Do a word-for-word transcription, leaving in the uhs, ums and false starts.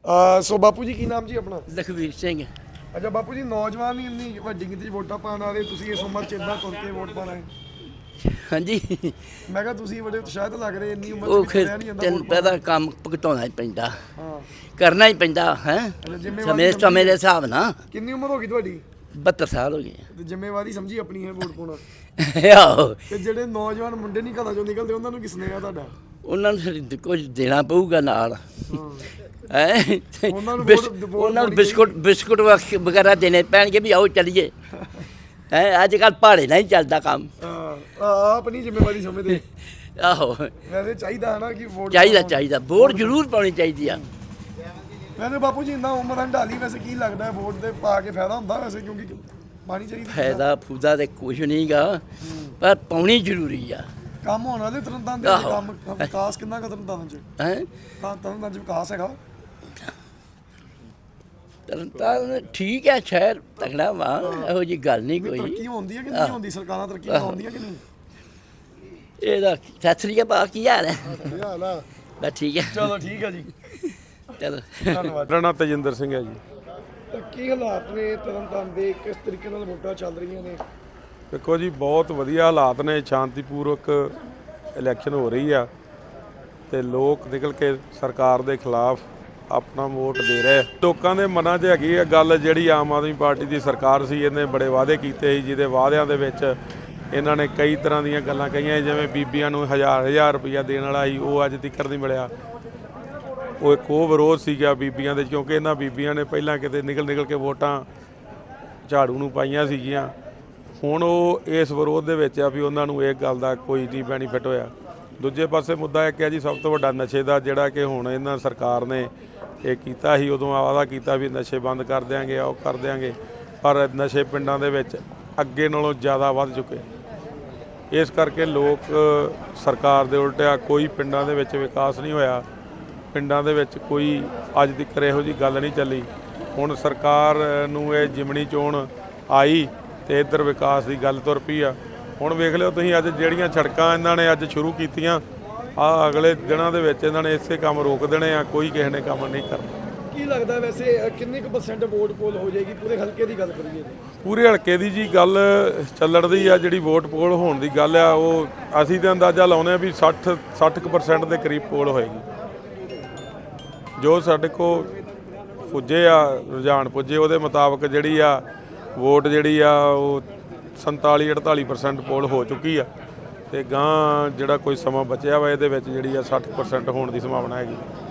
ਸੋ ਬਾਪੂ ਜੀ ਕੀ ਨਾਮ ਜੀ ਆਪਣਾ? ਲਖਵੀਰ ਸਿੰਘ। ਅੱਛਾ ਬਾਪੂ ਜੀ, ਨੌਜਵਾਨ ਹੀ ਇੰਨੀ ਵੱਡੀ ਗਿਣਤੀ 'ਚ ਵੋਟਾਂ ਪਾਉਣ ਵਾਲੇ, ਤੁਸੀਂ ਇਸ ਉਮਰ 'ਚ ਇੱਦਾਂ ਤੁਰ ਕੇ ਵੋਟ ਪਾਉਣਾ ਹੈ? ਹਾਂਜੀ, ਮੈਂ ਕਿਹਾ ਤੁਸੀਂ ਬੜੇ ਉਤਸ਼ਾਹਿਤ ਲੱਗ ਰਹੇ, ਇੰਨੀ ਉਮਰ 'ਚ ਉਹ ਵੀ ਫਿਰ ਤੁਰਿਆ ਨਹੀਂ ਜਾਂਦਾ ਤੈਨੂੰ ਵੋਟ ਪਾਉਣ। ਪਤਾ ਕੰਮ ਭੁਗਤਾਉਣਾ ਹੀ ਪੈਂਦਾ, ਹਾਂ, ਕਰਨਾ ਹੀ ਪੈਂਦਾ ਹੈ ਜ਼ਿੰਮੇਵਾਰੀ ਸਮੇਂ ਸਮਝੀ ਸਮੇਂ ਦੇ ਹੈ। ਹਿਸਾਬ ਨਾਲ। ਕਿੰਨੀ ਉਮਰ ਹੋ ਗਈ ਤੁਹਾਡੀ? ਬਹੱਤਰ ਸਾਲ ਹੋ ਗਏ ਤੇ ਜ਼ਿੰਮੇਵਾਰੀ ਸਮਝੀ ਆਪਣੀ ਹੈ ਵੋਟ ਪਾਉਣਾ। ਆਹੋ, ਤੇ ਜਿਹੜੇ ਨੌਜਵਾਨ ਮੁੰਡੇ ਨਹੀਂ ਘਰਾਂ ਚੋਂ ਨਿਕਲਦੇ, ਉਹਨਾਂ ਨੂੰ ਕੀ ਸੁਨੇਹਾ ਤੁਹਾਡਾ? ਉਹਨਾਂ ਨੂੰ ਫਿਰ ਕੁਝ ਦੇਣਾ ਪਊਗਾ ਨਾਲ ਹਾਂ, ਹੈ। ਉਹਨਾਂ ਨੂੰ ਵੋਟ- ਵੋਟ ਉਹਨਾਂ ਨੂੰ ਪਾਉਣੀ ਬਿਸਕੁਟ ਬਿਸਕੁਟ ਵਗ- ਵਗੈਰਾ ਦੇਣੇ ਪੈਣਗੇ ਵੀ ਆਓ ਚੱਲੀਏ। ਹੈ ਅੱਜ ਕੱਲ੍ਹ ਪਹਾੜੇ ਨਾਲ ਹੀ ਚੱਲਦਾ ਕੰਮ। ਹਾਂ, ਆਹ ਆਪਣੀ ਜ਼ਿੰਮੇਵਾਰੀ ਸਮਝਦੇ। ਆਹੋ, ਵੈਸੇ ਚਾਹੀਦਾ ਹੈ ਨਾ ਕਿ ਵੋਟ ਚਾਹੀਦਾ ਪਾਉਣੀ। ਚਾਹੀਦਾ ਵੋਟ ਜ਼ਰੂਰ ਪਾਉਣੀ ਚਾਹੀਦੀ ਆ। ਵੈਸੇ ਬਾਪੂ ਜੀ ਇੰਨਾ ਉਮਰ ਹੰਢਾਲੀ, ਵੈਸੇ ਕੀ ਲੱਗਦਾ ਹੈ ਵੋਟ ਦੇ ਪਾ ਕੇ ਫਾਇਦਾ ਹੁੰਦਾ ਵੈਸੇ, ਕਿਉਂਕਿ ਪਾਣੀ ਚਾਹੀਦੀ ਹੈ। ਫਾਇਦਾ ਫੂਦਾ ਤੇ ਕੁਝ ਨਹੀਂਗਾ, ਪਰ ਪਾਉਣੀ ਜ਼ਰੂਰੀ ਆ। ਕੰਮ ਹੋਣ ਵਾਲੇ ਤਰਨਤਾਰਨ ਦੇ ਵਿੱਚ, ਆਹੋ। ਕੰਮ ਵਿਕਾਸ ਕਿੰਨਾ ਕੁ ਤਰਨਤਾਰਨ ਚ? ਹੈ ਤਾਂ ਤਰਨਤਾਰਨ ਚ ਵਿਕਾਸ ਹੈਗਾ? ਤਰਨਤਾਰਨ ਠੀਕ ਹੈ, ਸ਼ਹਿਰ ਤਕੜਾ ਵਾ, ਇਹੋ ਜੀ ਗੱਲ ਨਹੀਂ ਵੀ ਕੋਈ। ਤਰੱਕੀ ਹੁੰਦੀ ਹੈ ਕਿ ਨਹੀਂ ਹੁੰਦੀ? ਸਰਕਾਰਾਂ ਤਰੱਕੀ ਕਰਾਉਂਦੀਆਂ ਕਿ ਨਹੀਂ? ਇਹਦਾ ਸਤਿ ਸ੍ਰੀ ਅਕਾਲ, ਕੀ ਹਾਲ ਹੈ? ਕੀ ਹਾਲ ਆ? ਬਸ ਠੀਕ ਹੈ, ਚਲੋ ਠੀਕ ਹੈ ਜੀ, ਚਲੋ। ਧੰਨਵਾਦ। ਮੇਰਾ ਨਾਮ ਤੇਜਿੰਦਰ ਸਿੰਘ ਹੈ ਜੀ। ਤਾਂ ਕੀ ਹਾਲਾਤ ਨੇ ਤਰਨਤਾਰਨ ਦੇ, ਕਿਸ ਤਰੀਕੇ ਨਾਲ ਵੋਟਾਂ ਚੱਲ ਰਹੀਆਂ ਨੇ? ਦੇਖੋ ਜੀ, ਬਹੁਤ ਵਧੀਆ ਹਾਲਾਤ ਨੇ, ਸ਼ਾਂਤੀਪੂਰਵਕ ਇਲੈਕਸ਼ਨ ਹੋ ਰਹੀ ਆ ਤੇ ਲੋਕ ਨਿਕਲ ਕੇ ਸਰਕਾਰ ਦੇ ਖਿਲਾਫ ਆਪਣਾ ਵੋਟ ਦੇ ਰਹੇ। ਲੋਕਾਂ ਦੇ ਮਨਾਂ 'ਚ ਹੈਗੀ ਆ ਗੱਲ, ਜਿਹੜੀ ਆਮ ਆਦਮੀ ਪਾਰਟੀ ਦੀ ਸਰਕਾਰ ਸੀ, ਇਹਨੇ ਬੜੇ ਵਾਅਦੇ ਕੀਤੇ ਸੀ, ਜਿਹਦੇ ਵਾਅਦਿਆਂ ਦੇ ਵਿੱਚ ਇਹਨਾਂ ਨੇ ਕਈ ਤਰ੍ਹਾਂ ਦੀਆਂ ਗੱਲਾਂ ਕਹੀਆਂ, ਜਿਵੇਂ ਬੀਬੀਆਂ ਨੂੰ ਹਜ਼ਾਰ ਹਜ਼ਾਰ ਰੁਪਈਆ ਦੇਣ ਵਾਲਾ ਸੀ, ਉਹ ਅੱਜ ਤੱਕ ਨਹੀਂ ਮਿਲਿਆ। ਉਹ ਇੱਕ ਉਹ ਵਿਰੋਧ ਸੀਗਾ ਬੀਬੀਆਂ ਦੇ, ਕਿਉਂਕਿ ਇਹਨਾਂ ਬੀਬੀਆਂ ਨੇ ਪਹਿਲਾਂ ਕਿਤੇ ਨਿਕਲ ਨਿਕਲ ਕੇ ਵੋਟਾਂ ਝਾੜੂ ਨੂੰ ਪਾਈਆਂ ਸੀਗੀਆਂ। ਹੁਣ ਉਹ ਇਸ ਵਿਰੋਧ ਦੇ ਵਿੱਚ ਆ ਵੀ ਉਹਨਾਂ ਨੂੰ ਇਹ ਗੱਲ ਦਾ ਕੋਈ ਨਹੀਂ ਬੈਨੀਫਿਟ ਹੋਇਆ। ਦੂਜੇ ਪਾਸੇ ਮੁੱਦਾ ਇੱਕ ਹੈ ਜੀ, ਸਭ ਤੋਂ ਵੱਡਾ ਨਸ਼ੇ ਦਾ, ਜਿਹੜਾ ਕਿ ਹੁਣ ਇਹਨਾਂ ਸਰਕਾਰ ਨੇ ਇਹ ਕੀਤਾ ਸੀ, ਉਦੋਂ ਵਾਅਦਾ ਕੀਤਾ ਵੀ ਨਸ਼ੇ ਬੰਦ ਕਰ ਦਿਆਂਗੇ, ਉਹ ਕਰ ਦਿਆਂਗੇ, ਪਰ ਨਸ਼ੇ ਪਿੰਡਾਂ ਦੇ ਵਿੱਚ ਅੱਗੇ ਨਾਲੋਂ ਜ਼ਿਆਦਾ ਵੱਧ ਚੁੱਕੇ। ਇਸ ਕਰਕੇ ਲੋਕ ਸਰਕਾਰ ਦੇ ਉਲਟਿਆ, ਕੋਈ ਪਿੰਡਾਂ ਦੇ ਵਿੱਚ ਵਿਕਾਸ ਨਹੀਂ ਹੋਇਆ, ਪਿੰਡਾਂ ਦੇ ਵਿੱਚ ਕੋਈ ਅੱਜ ਤੱਕ ਇਹੋ ਜਿਹੀ ਗੱਲ ਨਹੀਂ ਚੱਲੀ। ਹੁਣ ਸਰਕਾਰ ਨੂੰ ਇਹ ਜਿਮਣੀ ਚੋਣ ਆਈ ਤੇ ਇੱਧਰ ਵਿਕਾਸ ਦੀ ਗੱਲ ਤੁਰ ਪਈ ਆ। ਹੁਣ ਵੇਖ ਲਿਓ ਤੁਸੀਂ, ਅੱਜ ਜਿਹੜੀਆਂ ਸੜਕਾਂ ਇਹਨਾਂ ਨੇ ਅੱਜ ਸ਼ੁਰੂ ਕੀਤੀਆਂ, ਆ ਅਗਲੇ ਦਿਨਾਂ ਦੇ ਵਿੱਚ ਇਹਨਾਂ ਨੇ ਇਸੇ ਕੰਮ ਰੋਕ ਦੇਣੇ ਆ, ਕੋਈ ਕਿਸੇ ਨੇ ਕੰਮ ਨਹੀਂ ਕਰਨਾ। ਕੀ ਲੱਗਦਾ ਵੈਸੇ ਅ, ਕਿੰਨੇ ਕੁ ਪਰਸੈਂਟ ਵੋਟ ਪੋਲ ਹੋ ਜਾਏਗੀ ਪੂਰੇ ਹਲਕੇ ਦੀ ਗੱਲ ਕਰੀਏ? ਪੂਰੇ ਹਲਕੇ ਦੀ ਜੀ ਗੱਲ ਚੱਲਣ ਦੀ ਆ, ਜਿਹੜੀ ਵੋਟ ਪੋਲ ਹੋਣ ਦੀ ਗੱਲ ਆ, ਉਹ ਅਸੀਂ ਤਾਂ ਅੰਦਾਜ਼ਾ ਲਾਉਂਦੇ ਆ ਵੀ ਸੱਠ ਸੱਠ ਕੁ ਪਰਸੈਂਟ ਦੇ ਕਰੀਬ ਪੋਲ ਹੋਏਗੀ। ਜੋ ਸਾਡੇ ਕੋਲ ਪੁੱਜੇ ਆ ਰੁਝਾਨ ਪੁੱਜੇ, ਉਹਦੇ ਮੁਤਾਬਕ ਜਿਹੜੀ ਆ ਵੋਟ ਜਿਹੜੀ ਆ ਉਹ ਸੰਤਾਲੀ ਅਠਤਾਲੀ ਪਰਸੈਂਟ ਪੋਲ ਹੋ ਚੁੱਕੀ ਆ, ਤੇ ਗਾਂ ਜਿਹੜਾ ਕੋਈ ਸਮਾਂ ਬਚਿਆ ਵਾ ਇਹਦੇ ਵਿੱਚ ਜਿਹੜੀ ਆ ਸੱਠ ਪਰਸੈਂਟ ਹੋਣ ਦੀ ਸੰਭਾਵਨਾ ਹੈਗੀ।